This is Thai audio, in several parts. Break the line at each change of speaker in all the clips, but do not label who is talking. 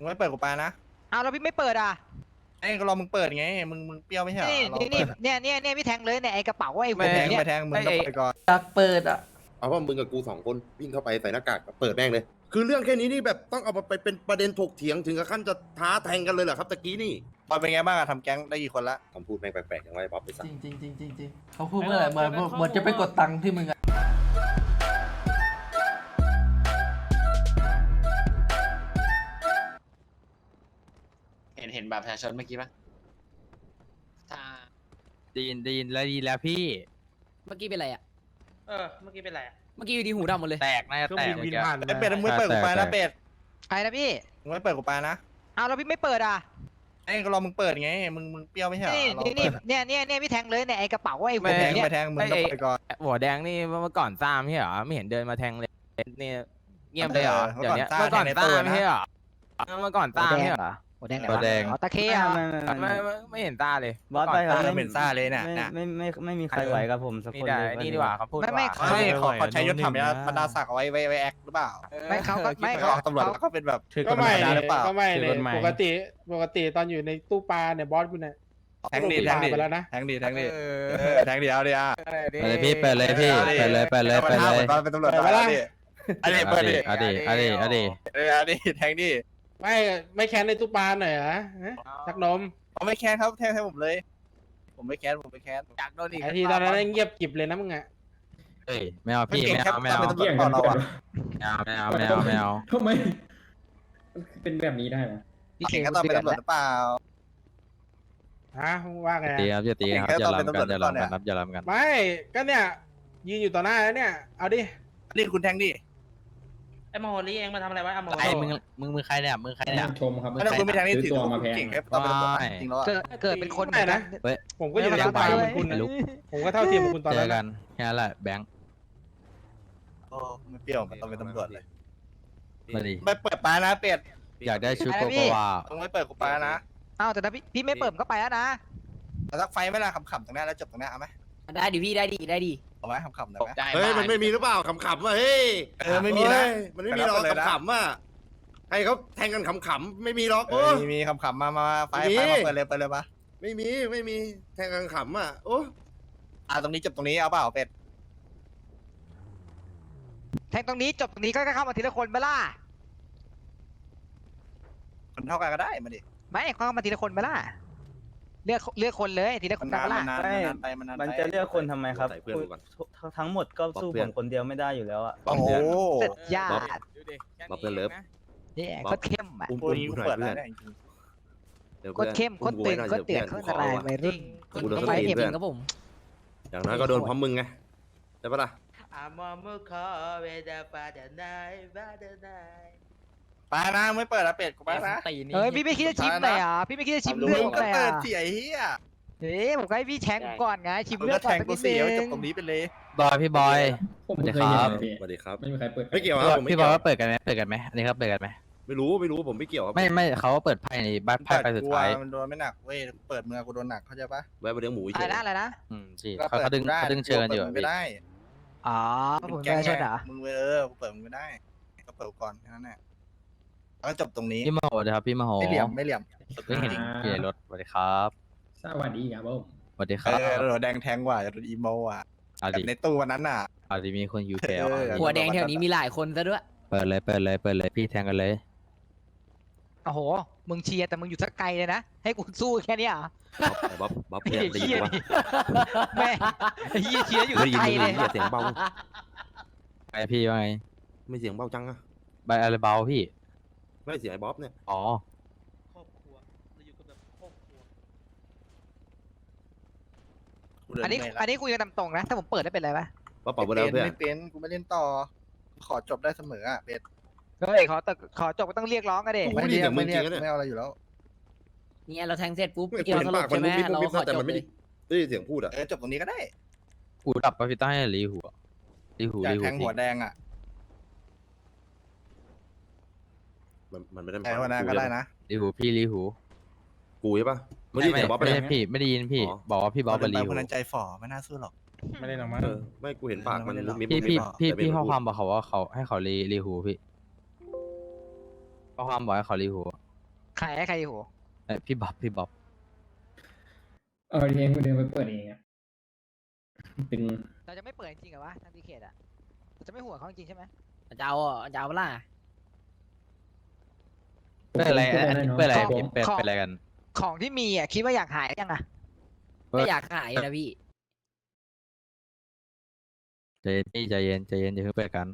มึงไม่เปิดกูไปนะ
อ้าวแล้วพี่ไม่เปิดอ่ะ
ไอ้ก็รอมึงเปิดไงมึงเปรี้ยวไม่ใช่เหรอเรา
นี่เนี่ยพี่แทงเลยเนี่ยไอ้กระเป๋าไอ้หัว
ไปแทง
เนี่ย
ไปแทงมึงต้องไปก่อน
อยากเปิดอ่ะ
เอาว่ามึงกับกู2 คนวิ่งเข้าไปใส่หน้ากากเปิดแม่งเลย คือเรื่องแค่นี้นี่แบบต้องเอาไปเป็นประเด็นถกเถียงถึงกับขั้นจะท้าแทงกันเลยเหรอครับตะกี้นี่
บอลเป็นไงบ้างอะทำแก๊งได้กี่คนละ
คำพูดแม่งแปลกๆอย่างไรบ๊อบไปสั่
จ
ง
ริงเขาพูดเมื่อไหร่เหมือนจะไปกดตังค์ที่มึงอะ
เห็นบัตรประชาชนเมื่อกี้ปะ
ได้ยินแล้วพี่
เมื่อกี้เป็นไรอ่ะ
เมื่อกี้เป็นไรอ่ะ
เมื่อกี้อยู่ดีหูดำหมดเลย
แตกน่าจะแตกเมื่อกี้
ไอ้เป็ดมึงไม่เปิดกูไปนะเป็ด
ใครนะพี่
มึงไม่เปิดกูไปนะ
อ้าวแล้วพี่ไม่เปิดอ่ะ
ไอ้ก็รอมึงเปิดไงมึงเปรี้ยวไม่ใช่เหรอเรา
เนี่ยพี่แทงเลยเนี่ยไอ้กระเป๋าไอ้หั
ไป
ว
แทง
เนี่ย
ไปแทงมึงต้องไปก่อน
หัวแดงนี่เมื่อก่อนซ่ามใช่เหรอไม่เห็นเดินมาแทงเลยนี่เงียบเลยเหรอเดี๋ยวนี้เมื่อก่อนซ่ามไม่ใช่เหรอเมื่อก่อนซ่ามไม่ใช่เหรอ
หัวแดงไหน
หัวแดง
อ๋อตะเคอ่ะ
ไม่เห็นซ่าเลย
บอสไปครับ
เราเป็นซ่าเลยน่ะ
ไม่มีใครไหวกับผมสัก
นี่
คน
ได้
เลย
นี่ดีกว่าเขาพูด
ไม่ขอใช้ยศธรรมยศบรรดาศักดิ์เอาไว้แอคหรือเปล่า
ไม่เขาก็ไม่
ออกตำรวจแล้วก็เป็นแบบ
ก็ไม่
หรือเปล่า
ก็ไม่เลยปกติตอนอยู่ในตู้ปลาเนี่ยบอสกูเนี่ย
แทงดีไปแล้วนะแทงดีแทงดีเอาดิอ่ะ
เปิดเลยพี่เปิดเลยพี่เปิดเลย
เป็นตำรวจดิอันนี้เปิดดิ
เอาดิ
แทงดิ
ไม่แค้นในตู้ปลาหน่อยเหรอชักนม
ผมไม่แค้นครับแทงให้ผมเลย ผมไม่แค้น
อยากโดนอีก
ไอทีตอนนั้นเงียบกิบเลยนะมึงอ่ะ
เฮ้ยไม่เอาพี่ไม่เอา
เป็นตำรวจก่อนเราอ่ะ
ไม่เอา
ทำไมเป็นแบบนี้ได้ไหม
พี่
เก่งก็ต้องเป็นตำรวจหรือเปล่า
ฮะว่าไง
ตีครับอย่าตีครับอย่าล้ำกันอย่าล้ำกัน
ไม่ก็เนี่ยยืนอยู่ต่อหน้าแล้วเนี่ยเอาดิ
นี่คุณแทงดิ
ไอ้มโหรีเองมาทำอะไรวะไอ้มโห
ไอ้
รี
มึงใครเนี่ย
ชมครับ
ถ้าคุณไม่แทงนี่ถือว่าเก่งแค่ตำรวจจริงแล้ว
เกิดเป็นคน
ไม่นะผมก็อยู่ในป่าเหมือนคุณนะผมก็เท่าเทียมกับคุณตอน
เจ
นั้
อน กันแค่นั้นแหละแบงค์
โอ้ไม่เปรี้ยวมันต้องเป็นตำรวจเลย
มาดิ
ไม่เปิดปลานะเป็ด
อยากได้ชุดโกโกวา
ต้องไม่เปิดกูปลานะ
อ้าวแต่ถ้าพี่ไม่เปิดก็ไปแล้วนะ
แต่สักไฟไม่ละขำๆตรงนี้แล้วจบตรงนี้เอาไหม
ได้ดิพี่ได้ดิ
เอาไหมขำๆได้ไหม
เฮ้ยมันไม่มีหรือเปล่าขำๆอ่ะเฮ้ย
ไม่มีนะ
มันไม่มีหรอกขำๆอ่ะให้เขาแทงกันขำๆไม่มีหรอกโอ้
มีขำๆมาไฟมาเปิดเลยปะ
ไม่มีแทงกันขำอ่ะโอ้
ตรงนี้จบตรงนี้เอาเปล่าเป็ด
แทงตรงนี้จบตรงนี้ก็เข้ามาทีละคนไปล่ะ
คนเท่ากันก็ได้มาดิ
ไม่เข้ามาทีละคนไปล่ะเลือกคนเลยทีละคนไปล่ะ
มันจะเลือกคนทำไมครับทั้งหมดก็สู้ผมคนเดียวไม่ได้อยู่แล้วอ่ะ
โอ้โห
สุดยอด
บ๊อบเพื่อนเลิฟ
เนี่ยโคตรเข้มอ่ะ
ตัวนี้เปิดแล้วเนี่ย
โคตรเข้มโคตรตึงโคตรเตือนโคตรอะไรวัยรุ่น
กูโดน
ต้อง
ส
ไป
ตี
เก็บ
เพื่
เอ
อน
งครับผม
อย่างน้อยก็โดนพร้อมมึงไงใช่ปะล่ะ
ปลานะไม่เปิดอะเป็ดกูปลานะ
เฮ้ยพี่ไม่คิดจะชิมเลยอ่ะพี่ไม่คิดจะชิมเลือด
ก็
เลย
เปิ
อ่ะ
ดเสียเฮีย
เฮ้ยผมก็ให้พี่แทงผมก่อนไงชิม
มึง
เลือ
ก็
ด
แท
ก่อน
ง
สัก
กู
นิด
เสี
นึ
ย
ง
จบตรงนี้ไปเลย
พี่บอย
ผมไม่เคยเห็นพี่
สวัสดีครับ
ไม่มีใครเปิด
ไม่เกี่ยวครับผม
พี่บอยว่าเปิดกันไหมอันนี้ครับเปิดกันไหม
ไม่รู้ผมไม่เกี่ยวครับ
ไม่เขาเปิดไพ่ในบ้านไพ่ไปสุดท้าย
มันโดนไม่หนักเว้ยเปิดเมือกูโดนหนักเข้าใจปะ
แวะไปเลี้ยงหมูเฉย
อะไรนะ
สิเขาดึงเชิญอยู่
ไม่ได้
อ๋อผมไม่ใช่เหรอ
มึงกูเปิดมึงไม่ได้ก็เปิดก่อนแค่นั้นแหละแล้วก็จบตรงนี้
พี่มโหนะครับพี่มโห
ไม่เหลี่ยม
ไม่เห็นพี่ในรถสวัสดีครับ
สวัสดีครับผม
สวัสดีครับ
เราแดงแทงกว่าจะโดนอีโมอ่ะ
เอาดิ
ในตู้วันนั้นน่ะ
เอาดิมีคนยูแถว
หัวแดงแถวนี้มีหลายคนซะด้วย
เปิดเลยพี่แทงกันเลย
โอ้โหมึงเชียร์แต่มึงอยู่สักไกลเลยนะให้กูสู้แค่นี้อ่ะ
บ๊อบเพื่อนได้ยินปะ
แม่เฮียเชียร์อยู่
ไม่
สัก
ได้ยิน
ไกล
มึ
เล
ง
ย
เสียงเบา
ไอพี่ว่าไง
ไม่เสียงเบาจังอะ
ใบอะไรเบาพี่
ไม่เสียงไอ้บ๊อบเนี่ย
อ๋อ
อันนี้กูยังนำตรงนะถ้าผมเปิดได้เป็นไรปะ
บ๊อบเป่าไปแล้วเพื่อน
ไม่เป็นกูไม่เล่นต่อขอจบได้เสมออ่ะเป็ด
เฮ้ยขอจบก็ต้องเรียกร้องกันดิ
ไม่เอาอะไรอยู่แล้ว
เนี่ยเราแทงเสร็จปุ๊บ
ไม่
เกี่ยว
เห็น
สล
ปา
บ
กมั
ใช่
น
ไหม
มุบมิบ
เราขอ
แต่
จ
มั
บ
นไม่
เล
ได้
ย
ได้ยินเสียงพูดอะ
จบตรงนี้ก็ได้
หูดับปะพี่ต้าให้รีหัวรีหู
อยากแทง
พี่
หัวแดงอ่ะ
มันไม่ได้
แทงหัวแดงก็ได้นะ
รีหูพี่รีหู
กูใช่ปะไม่ได้ยินเสียงบ๊อบไป
ไม่
เลย
ใช่พี่ไม่ได้ยินพี่ บอกว่าพี่บอสไปรีหู
คนนั้นใจฝ่อไม่น่าสู้หรอก
ไม่ได้หรอกมั้ง
ไม่กูเห็นปากมันมุบมิบ
พี่ข้อความบอกเขาว่าเขาให้เขารีหูพี่ข้อความบอกให้เขารีหู
ใครให้ใครอยู่
พี่บ๊อบพี่บ๊อบ
เองกูเดินไปเปิดเองเป็น
เราจะไม่เปิดจริงๆเหรอวะทางดีเคทอ่ะเราจะไม่หัวเขาจริงๆใช่ไหม
จะเอาอ่ะจะเอาเปะล่า
เปิดอะไรอันนี้เปิดอะไรพี่เปิด
ของ
เป็นอะไรกัน
ของที่มีอ่ะคิดว่าอยากหายยังอ่ะ
ไม่อยากขายนะพี่
ใจเย็นพี่ใจเย็นใจเย็นอย่าเพิ่งเปิดกัน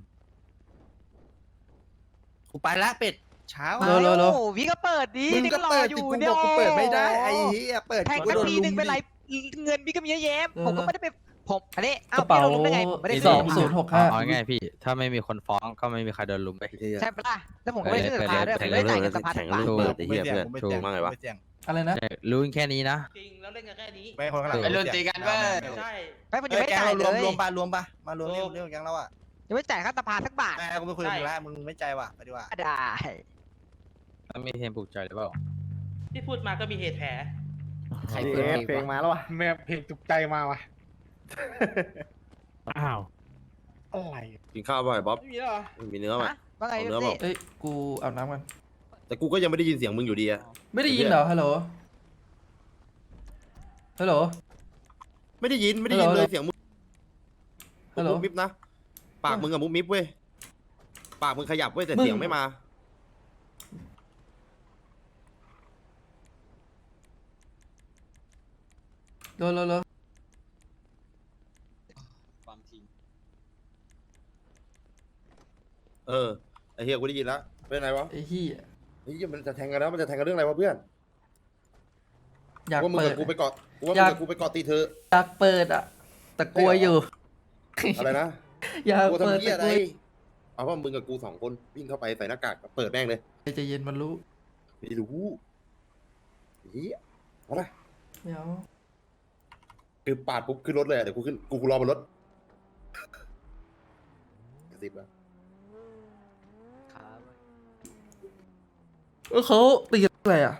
กูไปละเป็ดเช้า
โล
โอ้พี่ก็เปิดดิ
มึง
นี่
ก็
ก็รอ
เปิด
อ
ดิ
ยู่
กู
เนี่ย
บอกกูเปิดไม่ได้ไอ้เหี้ยเปิด
แพ็ก
กู
สัก
โดน
ที
ลุ
หนึ่
ม
งเป็นไร
ดิ
เงินพี่ก็มีเยอะแยะผมก็ไม่ได้ไปผมอันนี้
ก
อ้าว
ระเป๋า
พี่เรารู้ได้ไงผมไม่ได้
ส
ซื้
องศูนย์หกห้า
เอาง่ายๆพี่ ถ้าไม่มีคนฟ้องก็ไม่มีใครโดนลุมไป
ใช่ปะล่ะแล้วผมก็ไม่ได้ซื้อสภาด้วยผมไม่ได้จ่ายเงินสภาทุกบาท
ถูก
กูไม่เสี่ยงกูไม่เสี่ยง
ว่าไงวะ
กูไม่เสี่ยง
อะไรนะ
ใช่รู้แค่นี้นะ
จริงแล้วเล่นกันแค่นี้
ไม่คนข้างหลัง
ไอ้รุ่นตีกันเว้ย
ใช่
ไม่ผม
เอ
ยัง
อ
ไม่ได้
แก๊ง
จ่าย
เรา
เล
รวย มรวมปะมารวมเรื่องแก๊งเราอ่ะ
ยังไม่จ่ายค่าสภาสักบาท
แม่กูไม่คุยกับมึงแล้วมึงไม่ใจว่ะไปดีกว่า
ได้
แล้วมีเทมปลุกใจหรือเปล่า
ที่พูดมาก็มีเหตุแผล
ใครเปิดเพลงวะ
มาแล้ววะ
แม่เพลงจุกใจมาว่ะ
อ้าว
อะไร
กินข้าวบ่อยบ๊อบ
ไม่มีแล้วเหรอ
มีเนื้อไหม
ฮะว่าไง
เอาเนื้อ
พี่
เปล่า
เอ้ยกูอาบน้ำกัน
แต่กูก็ยังไม่ได้ยินเสียงมึงอยู่ดีอะ
ไม่ได้ยินเหรอฮัลโหลฮัลโหล
ไม่ได้ยินไม่ได้ยิน
ฮัลโหล
เลยเสียงมึง
ฮัลโหล
มุบมิบนะปากมึงอะมุบมิบเว้ยปากมึงขยับเว้ยแต่
มึง
เสียงไม่มา
โล
ความจริง
เออไอ้เฮียกูได้ยินแล้วเป็นไรวะ
ไอ้เหี้ย
เฮ้ยมันจะแทงกันแล้วมันจะแทงกันเรื่องอะไรวะเพื่อน
อยาก
ว่ามึง
เปิ
กั
ด
บกูไปเกาะกูว่า
อยาก
มึงกับกูไปเกาะตีเธอ
อยากเปิดอ่ะแต่กลัวอยู่
อะไรนะ
อยาก
กู
เปิด
ทำเฮีย
แต่
อะไร
กลัว
เอาว่ามึงกับกู2 คนวิ่งเข้าไปใส่หน้ากากเปิดแม่งเลย
ใจเย็นมันรู้
ไม่รู้เฮียเอาละ
ไม่เอา
คือปาดปุ๊บขึ้นรถเลยอะเดี๋ยวกูขึ้นกูรอบนรถกระซิบแล้ว
เขาตีอะไรอ่ะ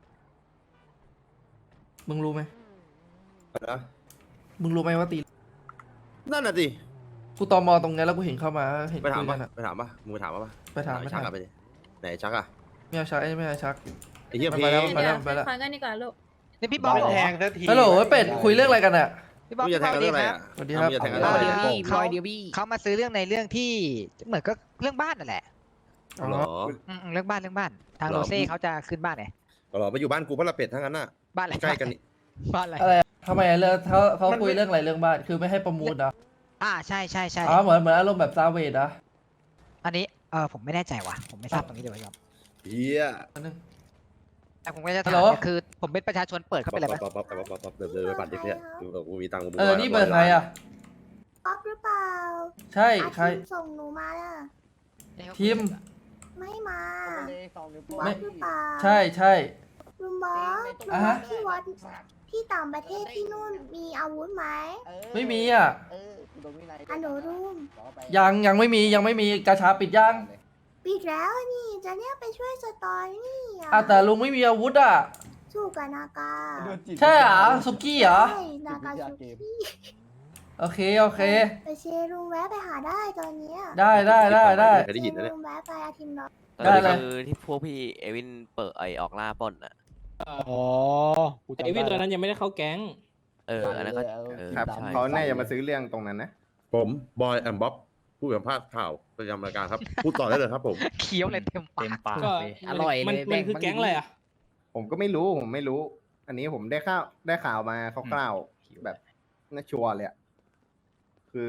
มึงรู้ไหม
นะ
มึงรู้ไหมว่าตี
นั่นน่ะสิ
กูตอมอตรงนี้แล้วกูเห็นเข้ามาเห็น
ไปถาม
คุย
ป่ะ
กันอ่ะ
ไปถามป่ะมึงไปถามป่ะ
ไปถาม
ไอ้
ไป
ชั
ถาก ม
อะไปดิไหนชักอะ
ไม่เอาชักไม่เอาชัก
ไอ้เหี้ย
มัน
เพ
ไปแล้ว
ลง
ไปแล้วไปแล้ว
ฟังกันดีกว่าลูก
นี่พี่บ๊อบเหรอ
แทงสักที
ฮัลโหลเป็ดคุยเรื่องอะไรกันอ่ะ
พี่บ๊อบ
มึงจะแทงกันเรื่องอะไรอะ
สวัสดีครับ
มึงจะแทงกัน
ร
เรื่
อ
องอะไร
เดียว
อะ
พี่รอยเดียวพี่
เขามาซื้อเรื่องในเรื่องที่เหมือนก็เรื่องบ้านนั่นแหละ
เหรอ
เรื่องบ้านทาง
หรอ
โรเซ่เขาจะขึ้นบ้านไง
เหรอมาอยู่บ้านกูเพราะละเป็ดทั้งนั้นน่ะ
บ้านอะไร
ใกล้กันนี่
บ้านอะไร
อะไรอะทำไมอะเรื่องเขาคุยเรื่องอะไรเรื่องบ้านคือไม่ให้ประมูลเหรอ
ใช่
อ๋อเหมือนอารมณ์แบบซาเวดอ่ะ
อันนี้ผมไม่แน่ใจว่ะผมไม่ทราบตรงนี้เลยครับ
เฮีย
อันนึง
แต่ผมก็จะ
ฮั
ถา
ลโห
ม
ล
เนี่ยคือผมเป็นประชาชนเปิดเข้าไปเลยไหม
ป๊อปเดินไปปั่นดิเนี่ยดูกับกูมีตังค์
เออนี่เบอร์ใครอ่ะ
ป๊อปหรือเปล่า
ใช่ใคร
อาทิตย์ส่งหนูมาล่ะ
ทีม
ไม่มาบ
ไม่
อสหรือเปล่า
ใช่
ลุงบอสลุง
อ่ะ
บอ
ฮะ
สที่วัดที่ต่างประเทศที่นู่นมีอาวุธไหม
ไม่มีอ่ะ
อันหนูรุ่ม
ยังไม่มีกาชาปิดยัง
ปิดแล้วนี่จะเนี่ยไปช่วยสตอรี่อ่ะ
แต่ลุงไม่มีอาวุธอ่ะ
สู้กับนากา
ใช่เหรอสุกี้เหรอ
ใช่นากาชูกี้
โอเค
ไปเชยร์ลุงแวะไปหาได้ตอนเนี้ย
ได้
เคยได้ยินนะเนี่ย
ลุงแวะไปอาทิตย์เนาะ
ได้เลย
คือที่พวกพี่เอวินเปิดออกล่าปล้นอ่ะ
อ๋อแต่ไอวินตัวนั้นยังไม่ได้เข้าแก๊ง
อันนั้นก็
ครับ
ใช่
เขาแน่จะมาซื้อเรื่องตรงนั้นนะ
ผมบอยแอมบ๊อบผู้สัมภาษณ์ข่าวประจำรายการครับพูดต่อได้เลยครับผม
เคี้ยวเลยเต็มปาก
ก็
อร่อยเลย
มัน
แบ่ง
คือ
บ้าง
แก๊ง
ดิ
อะไรอ่ะ
ผมก็ไม่รู้ อันนี้ผมได้ข่าวมาคร่าวๆแบบน่าชัวร์เลยอะคือ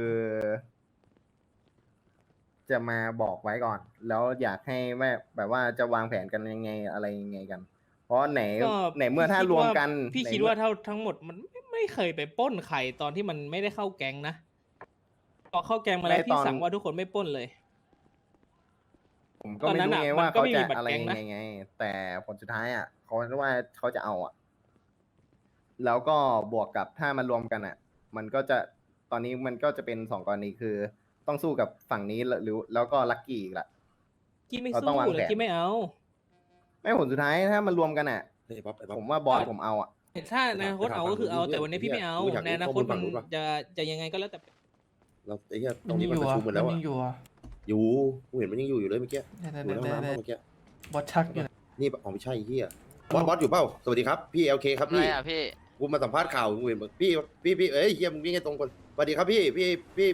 จะมาบอกไว้ก่อน แล้วอยากให้แบบว่าจะวางแผนกันยังไงอะไรยังไงกัน เพราะไหน
ก็
เมื่อถ้ารวมกัน
พี่คิดว่าทั้งหมดมันไม่เคยไปปล้นใครตอนที่มันไม่ได้เข้าแก๊งนะพอเข้าแก๊งมาแล้วพี่สั่งว่าทุกคนไม่ปล้นเลย
ผมก็ไม่รู้ไงว่าเขาจะอะไรยังไงไง แต่ผลสุดท้ายอ่ะเขาว่าเขาจะเอาอ่ะ แล้วก็บวกกับถ้ามารวมกันอ่ะ มันก็จะตอนนี้มันก็จะเป็น2 กรณีคือ ต้องสู้กับฝั่งนี้แล้วก็ลักกี้อีกละ
กี้ไม่
เรา
สู้
ต้องวาง
เลย
แผน
กี้ไม่เอา
ไม่ผลสุดท้ายถ้ามารวมกันอ่ะ
เฮ้ยบ๊อบไอ้บ๊อบ
ผมว่าบอสผมเอาอ่ะ
ถ้าในอนาคตเอาก็คือเอาแต่วันนี้พี่ไม่เอา
กูอยากรู้
ในอนาคต
ข้อมูลฝั่
มัน
งนู้นว่ะ
จะยังไงก็แล้วแต่
เราไอ้เหี้ยตร
มั
ง
น
นี้
ยัง
มัน
อยู่
ประ
อ่ะ
ชุมหมดแล้ว
มัน
อะ
ยังอยู่อ่ะ
อยู่กูเห็นมันยังอยู่เลยเมื่อกี้อยู่ในห้องน้ำเมื่อกี้
บอสชักอยู่นะ
นี่อ๋อไม่ใช่เฮียบอสอยู่เปล่าสวัสดีครับพี่ LK ครับ
อะไร
พี่
อ่ะพี่
กูมาสัมภาษณ์ข่าวกูเห็นพี่เอ้ยเฮียมึงวิ่งให้ตรงคนสวัสดีครับพี่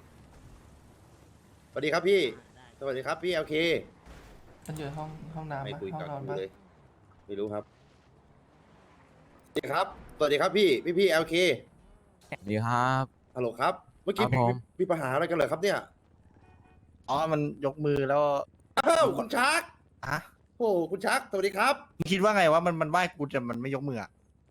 สวัสดีครับพี่สวัสดีครับพี่ LK
มันอยู่ห้องน้ำ
ไม่
ปะ
คุย
ห้อง
กับ
นอน
กู
ปะ
เลยไม่รู้ครับสวัสดีครับสวัสดีครับพี่ LK
ดีครับ
ฮัลโหลครับเมื่อกี้
ครับผม
พี่ปัญหาอะไรกันเหรอครับเนี่ย
อ๋อมันยกมือแล้ว
อ้าวคุณชัก
อะ
โอ้คุณชักสวัสดีครับ
มึงคิดว่าไงว่ามันไหว้กูแต่มันไม่ยกมืออะ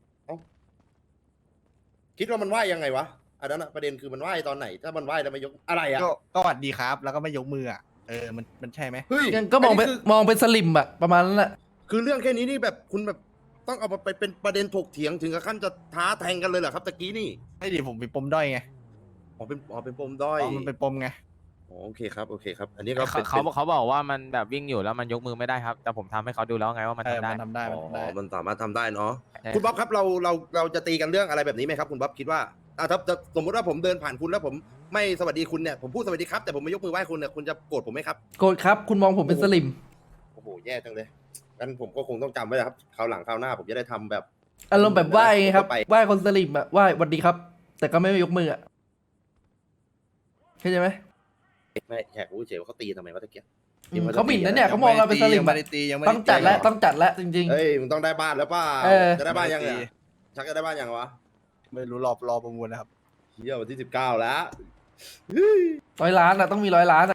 คิดว่ามันไหวยังไงวะอันนั้นอะประเด็นคือมันไหวตอนไหน ถ้ามันไหวแล้วไม่ยกอะไรอะ
ก็หวัดดีครับ แล้วก็ไม่ยกมืออะมันใช่ไหม
เฮ้ย
งั้นก็มองเป็น
นนี้คือ
มองเป็นสลิมอะประมาณนั้นแหละ
คือเรื่องแค่นี้นี่แบบคุณแบบต้องเอาไปเป็นประเด็นถกเถียงถึงกับขั้นจะท้าแทงกันเลยเหรอครับตะกี้นี่
ไม่ดิผมเป็นปมด้อยไง
เป็นปมด้อย
มันเป็นปมไง
อ๋อโอเคครับอันนี้ก็เป็น
เขาบอกว่ามันแบบวิ่งอยู่แล้วมันยกมือไม่ได้ครับ แต่ผมทำให้เขาดูแล้วไงว่ามัน
เออ
ทำได้
มันทำได้
อ๋
มันทำได้
อมันสามารถทำได้เนาะ
ใช่
คุณบ๊อบครับเราจะตีกันเรื่องอะไรแบบนี้ไหมครับคุณบ๊อบคิดว่าถ้าสมมติว่าผมเดินผ่านคุณแล้วผมไม่สวัสดีคุณเนี่ยผมพูดสวัสดีครับแต่ผมไม่ยกมือไหว้คุณเนี่ยคุณจะโกรธผมไหมครับ
โกรธครับ คุณมองผมเป็นสลิม
โอ้โหแย่จังเลยงั้นผมก็คงต้องจำไว้นะครับคราวหลังคราวหน้าผมจะได้ทำแบบ
อารมณ์แบบไหว้ไงครับ
ไป
ไหว้คนสลิมอะไหว้หวัดดีครับ แต่ก็ไม่ยกมืออะเข้าใจไหม
ไม่แขกรู้เฉยว่าเขาตีทำไมวะตะเกียบ
เขาหมิ่นนะเนี่ยเขามองเราเป็นสลิม
ยังไม่
อะ
ได้ตียังไม่
ต้องจัดแล้วต้องจัดแล้วจริง
เฮ้ยมึงต้องได้บ้านแล้วป่ะ
เออ
จะได้บ้านยังเนี่ยชักจะได้บ้านยังวะ
ไม่รู้รอประมูลนะครับ
เฮียวันที่19แล้ว
ๆ100 ล้านอะต้องมี100 ล้านอะ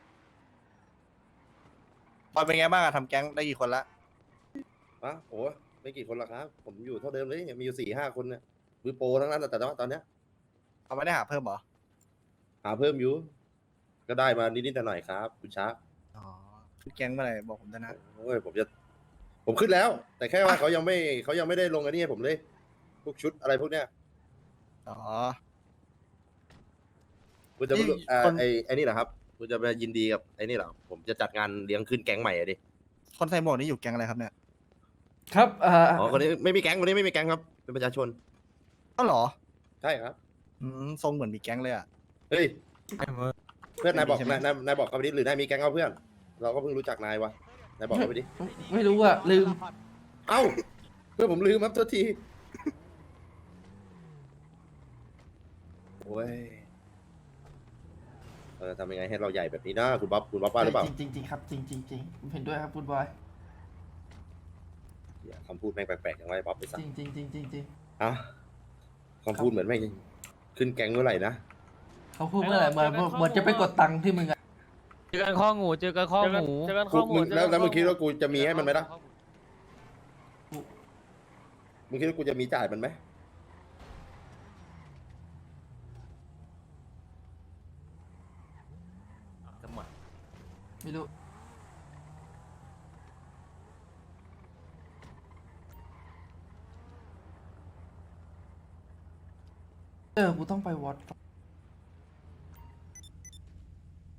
ตอนเป็นไงบ้างอะทำแก๊งได้กี่คนละ
โอ้ไม่กี่คนหรอกครับ ผมอยู่เท่าเดิมเลยมีอยู่4-5 คนเนี่ยมือโปรทั้งนั้นแต่ว่าตอนเนี้ย
เอาไม่ได้หาเพิ่มเหรอ
หาเพิ่มอยู่ ก็ได้มานิดๆหน่อยๆครับคุณชัก
อ๋อแก๊งเมื่อไหร่บอกผมด้วยนะ
โอ้ยผมขึ้นแล้ว แต่แค่ว่าเขายังไม่ได้ลงอันนี้ให้ผมเลยพวกชุดอะไรพวกเนี้ย
อ๋อ
คุณจะ
นี่
ไอ้
คน
ไอ้นี่เหรอครับคุณจะไปยินดีกับไอ้นี่เหรอผมจะจัดงานเลี้ยงขึ้นแก๊งใหม่อะดิ
คนใส่หมวกนี่อยู่แก๊งอะไรครับเนี่ย
ครับ
คนนี้ไม่มีแก๊งคนนี้ไม่มีแก๊งครับเป็นประชาชน
ก็เหรอ
ใช่ครับ
ทรงเหมือนมีแก๊งเลยอะ
เฮ้ยเพื่อนนายบอก
ไม่มีใช่ไหม
นายบอกเขาไปดิหรือนายมีแก๊งเอาเพื่อน เราก็เพิ่งรู้จักนายวะนายบอกเขาไปดิ
ไม่รู้อะลืม
เอ้าเพื่อนผมลืมครับโทษทีโอ้ยเราจะทำยังไงให้เราใหญ่แบบนี้นะคุณบ๊อบว่าหรือเปล่า
จริงๆครับจริงผมเห็นด้วยครับคุณบอย
อย่าคำพูดแม่งแปลกๆอย่างไรบ๊อบไปสั่
จริง
อ่ะคำพูดเหมือนแม่งขึ้นแก๊งเมื่อไหร่นะ
เขาพูดเมื่อไหร่เหมือนจะไปกดตังค์ที่มึงอะ
เจอกันข้องูเจอกันข้องู
แล้วมึงคิดว่ากูจะมีให้มันไหมล่ะมึงคิดว่ากูจะมีจ่ายมันไหม
ไม่รู้กูต้องไปวัด